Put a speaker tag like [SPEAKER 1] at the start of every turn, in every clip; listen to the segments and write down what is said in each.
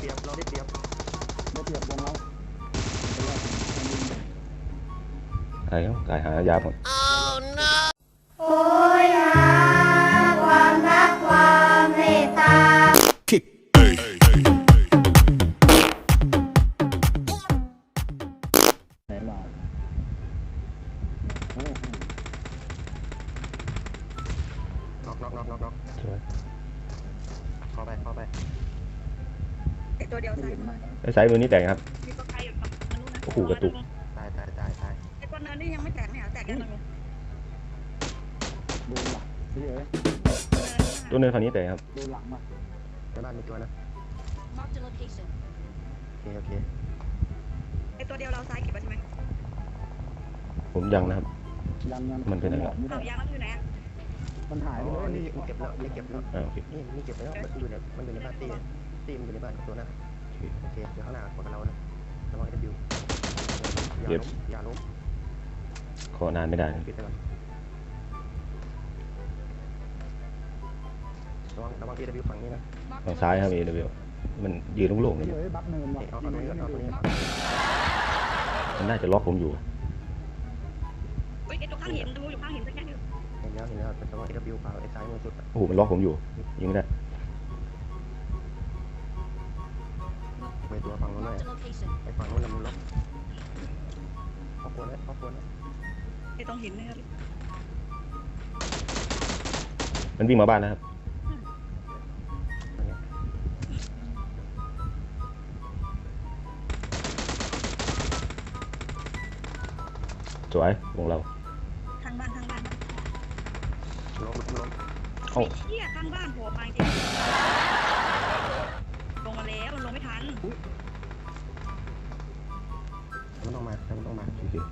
[SPEAKER 1] เปรียบเราได้เปรียบวงเรา
[SPEAKER 2] อะไรครับกายหายาหมด
[SPEAKER 3] โอ้ยหาความรักความเมตตา
[SPEAKER 1] ไหนมาน็อกเข้าไป
[SPEAKER 4] ไอตัวเดียวซ้ายมือ
[SPEAKER 2] ไอ้สายมือนี่แตกครับ
[SPEAKER 4] มีตัวไกลอยู่ฝั่งนู้นนะ
[SPEAKER 2] โอ้โหกระตุก
[SPEAKER 1] ตาย
[SPEAKER 4] ไอตัวเนินนี่ยังไม่แตกเนี่ยแตกยังไง
[SPEAKER 1] ดูหลังพี่เอ๋ย
[SPEAKER 2] ตัวเนินฝั่งนี้แตกครับ
[SPEAKER 1] ดูหลังมาในบ้านมีตัวนะโอเค
[SPEAKER 4] ไอตัวเดียวเราซ้ายเก็บไว้ใช่ไหม
[SPEAKER 2] ผมยังนะครับ
[SPEAKER 1] ยัง
[SPEAKER 2] มันเป็นอะไร
[SPEAKER 4] เอายางแล้วอยู่ไหนอ่ะ
[SPEAKER 1] มันหายไปเลยนี่เก็บแล้วเก็บแล้ว
[SPEAKER 2] โอเค
[SPEAKER 1] นี่เก็บไปแล้วมันอยู่ในบ้านตีมันอยู่ในบ้านตัวนั้นโอเคเดี๋ยวข้างหน้าของเรานะระวังดิวอย่าล้ม
[SPEAKER 2] ขอนานไม่ได้นะ
[SPEAKER 1] ปิดไปก่อนระวัง AW ฝั่งนี้นะ
[SPEAKER 2] ฝั่งซ้ายครับ AW มันยืนโล่งๆเลย
[SPEAKER 1] เฮ้ยบักเนินว่ะเอาตัวนี้
[SPEAKER 2] มันน่าจะล็อกผมอยู่
[SPEAKER 4] เฮ้ยไอตัวข้างหินดูอยู่ข้างหินสักแค่นึง
[SPEAKER 1] เห็นแล้วแต่ว่า AW เปล่าไอ้ซ้ายมือสุด
[SPEAKER 2] โอ้โหมันล็อกผมอยู่ยิงไม่ได้
[SPEAKER 1] ไปตัวฝั่งนู้นเลยไปฝั่งนู้นมันล็อกครอบครัวนะ
[SPEAKER 4] ไอตรงหินนะครับ
[SPEAKER 2] มันวิ่งมาบ้านนะครับสวยวงเรา
[SPEAKER 4] ข้างบ้าน
[SPEAKER 1] ล้ม
[SPEAKER 2] เอ้า
[SPEAKER 4] ไอ้เหี้ยข้างบ้านโผล่มาจริงลงมาแล้วมันลงไม่ทัน
[SPEAKER 1] มันต้องมา
[SPEAKER 2] โอเค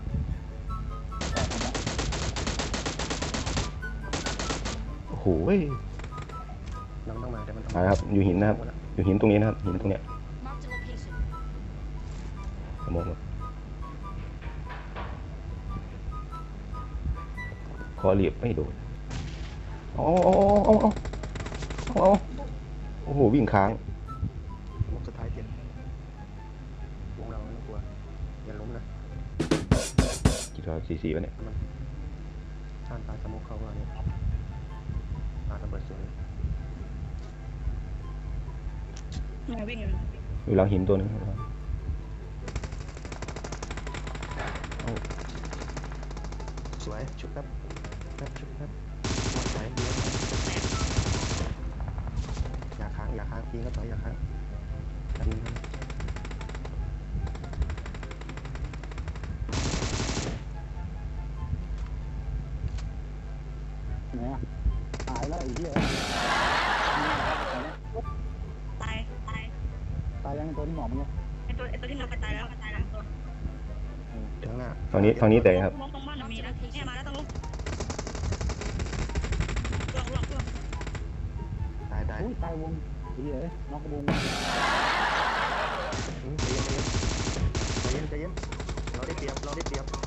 [SPEAKER 2] โอ้โห
[SPEAKER 1] มันต้องมาแต่มัน
[SPEAKER 2] มาครับอยู่หินนะครับอยู่หินตรงนี้นะครับหินตรงเนี้ยมองคอเรียบไม่โดนเอาโอ้โหวิ่งค้าง
[SPEAKER 1] วงสุดท้ายเจ็บวงเราไม่ต้องกลัวอย่าล้มนะ
[SPEAKER 2] กี่ตัว44วะเนี่ย
[SPEAKER 1] มันท่านตายสมุกเข้ามาเนี่ยตาระเบิดสวย
[SPEAKER 4] มันวิ่งอยู่
[SPEAKER 2] อยู่หลังหินตัวนึง
[SPEAKER 1] สวยชุบแป๊บสวยดีอย่าค้างปีนก็ถอยอย่าค้างดันเนี่ยหายแล้วไอ้เหี้ย
[SPEAKER 4] ตาย
[SPEAKER 1] ยังตัวที่หมอบเนี่ย
[SPEAKER 4] ไอตัวที่เราไปตายแล้วตัว
[SPEAKER 1] ถึงหน้า
[SPEAKER 2] ทางนี้แต่ครับ
[SPEAKER 4] ลงตรงบ้านมีนะเนี่ยมาแล้วต้องลง
[SPEAKER 1] ตายวงไอ้เหี้ยน็อกวงใจเย็นเราได้เปรียบวงเรา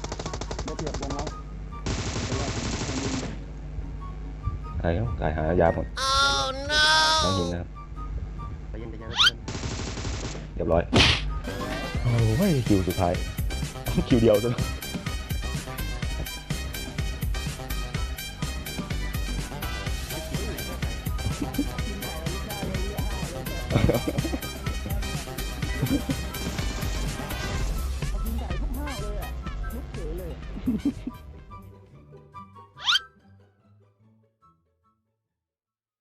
[SPEAKER 2] อะไรครับกายหายาหมดหลังหินนะครับ
[SPEAKER 1] ใจเย็น
[SPEAKER 2] เรียบร้อยโอ้ยคิวสุดท้ายคิวเดียวซะ